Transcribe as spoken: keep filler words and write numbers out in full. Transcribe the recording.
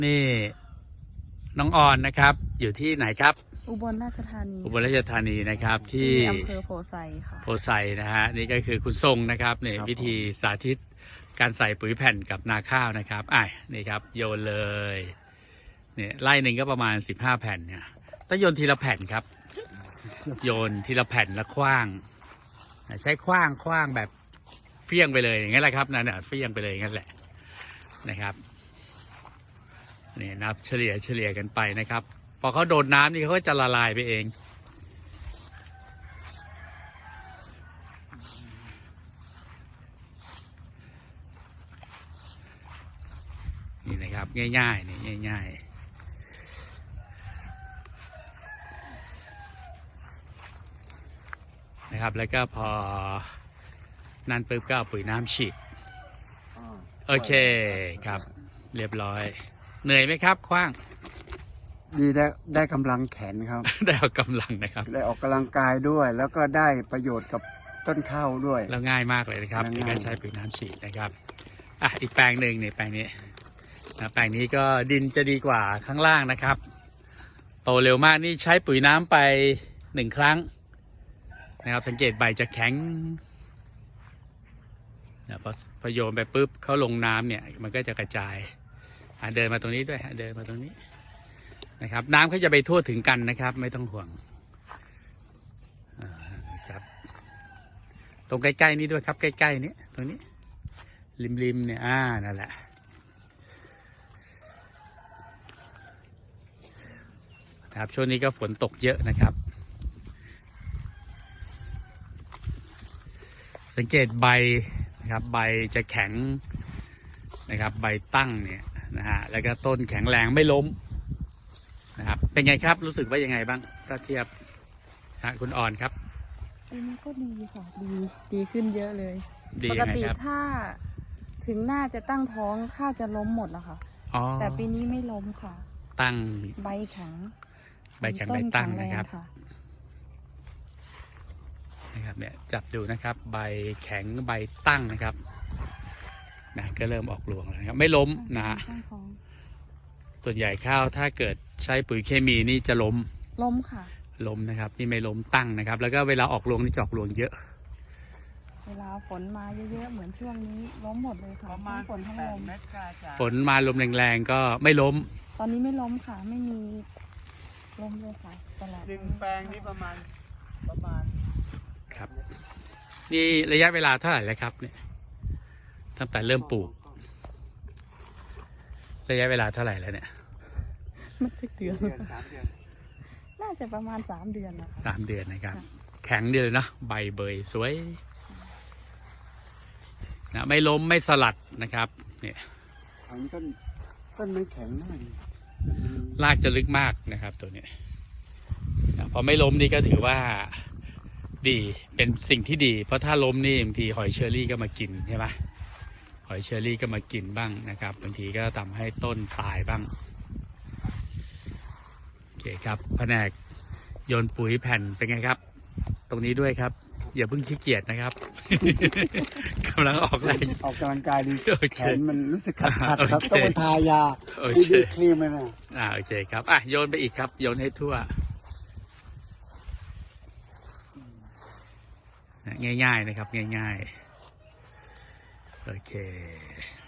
นี่น้องออนนะครับอยู่ที่ไหนครับอุบลราชธานีอุบลราชธานีนะครับที่อำเภอโพไซค่ะโพไซนะฮะนี่ก็คือคุณทรงนะครับเนี่ยวิธีสาธิตการใส่ปุ๋ยแผ่นกับนาข้าวนะครับอ่ะนี่ครับโยนเลยเนี่ยไล่หนึ่งก็ประมาณสิบห้าแผ่นเนี่ยต้องโยนทีละแผ่นครับโยนทีละแผ่นแล้วคว้างใช้คว้างคว้างแบบเฟี้ยงไปเลยอย่างนั้นแหละครับนั่นน่ะเฟี้ยงไปเลยอย่างนั้นแหละนะครับนี่นับเฉลี่ยเฉลี่ยกันไปนะครับพอเขาโดนน้ำนี่เขาก็จะละลายไปเองนี่นะครับง่ายๆนี่ง่ายๆนะครับแล้วก็พอนั่นปุ๊บก็เอาปุ๋ยน้ำฉีดโอเคครับเรียบร้อยเหนื่อยไหมครับคว้างดีได้ได้กำลังแขนครับได้ออกกำลังนะครับได้ออกกำลังกายด้วย แล้วก็ได้ประโยชน์กับต้นข้าวด้วยแล้วง่ายมากเลยนะครับในการใช้ปุ๋ยน้ำฉีดนะครับอ่ะอีกแปลงหนึ่งเนี่ยแปลงนี้นะแปลงนี้ก็ดินจะดีกว่าข้างล่างนะครับโตเร็วมากนี่ใช้ปุ๋ยน้ำไปหนึ่งครั้งนะครับสังเกตใบจะแข็งนะพอพอโยนไปปุ๊บเขาลงน้ำเนี่ยมันก็จะกระจายเดินมาตรงนี้ด้วยเดินมาตรงนี้นะครับน้ำเขาจะไปทั่วถึงกันนะครับไม่ต้องห่วงครับตรงใกล้ๆนี้ด้วยครับใกล้ๆนี้ตรงนี้ริมๆเนี่ยอ่านั่นแหละครับช่วงนี้ก็ฝนตกเยอะนะครับสังเกตใบนะครับใบจะแข็งนะครับใบตั้งเนี่ยนะฮะแล้วก็ต้นแข็งแรงไม่ล้มนะครับเป็นไงครับรู้สึกว่ายังไงบ้างถ้าเทียบฮะคุณอ่อนครับอันนี้ก็ดีค่ะดีดีขึ้นเยอะเลยปกติถ้าถึงหน้าจะตั้งท้องข้าวจะล้มหมดแล้วค่ะแต่ปีนี้ไม่ล้มค่ะตั้งใบแข็งใบแข็งใบตั้งนะครับนะครับเนี่ยจับดูนะครับใบแข็งใบตั้งนะครับนะก็เริ่มออกรวงแล้วครับไม่ล้มนะส่วนใหญ่ข้าวถ้าเกิดใช้ปุ๋ยเคมีนี่จะล้มล้มค่ะล้มนะครับนี่ไม่ล้มตั้งนะครับแล้วก็เวลาออกรวงนี่จะออกรวงเยอะเวลาฝนมาเยอะๆเหมือนช่วงนี้ล้มหมดเลยค่ะทั้งฝนทั้งลมฝนมาลมแรงๆก็ไม่ล้มตอนนี้ไม่ล้มค่ะไม่มีล้มเลยค่ะตลอดหนึ่งแปลงนี้ประมาณประมาณครับนี่ระยะเวลาเท่าไหร่แล้วครับเนี่ยตั้งแต่เริ่มปลูกระยะเวลาเท่าไหร่แล้วเนี่ยมันจะเดือนน่าจะประมาณสามเดือนนะคะสามเดือนนะครับแข็งเดือนนะใบเบยสวยนะไม่ล้มไม่สลัดนะครับเนี่ยต้นต้นมันแข็งมากรากจะลึกมากนะครับตัวนี้พอไม่ล้มนี่ก็ถือว่าดีเป็นสิ่งที่ดีเพราะถ้าล้มนี่บางทีหอยเชอรี่ก็มากินใช่ไหมหอยเชอรี่ก็มากินบ้างนะครับบางทีก็ทำให้ต้นตายบ้างโอเคครับแผนกโยนปุ๋ยแผ่นเป็นไงครับตรงนี้ด้วยครับอย่าเพิ่งขี้เกียจนะครับกำลังออกแรงออกกำลังกายดีแขนมันรู้สึกขัดขัดครับต้องไปทายาดีดีครีมเลยนะอ่าโอเคครับอ่ะโยนไปอีกครับโยนให้ทั่วง่ายๆนะครับง่ายๆโอเค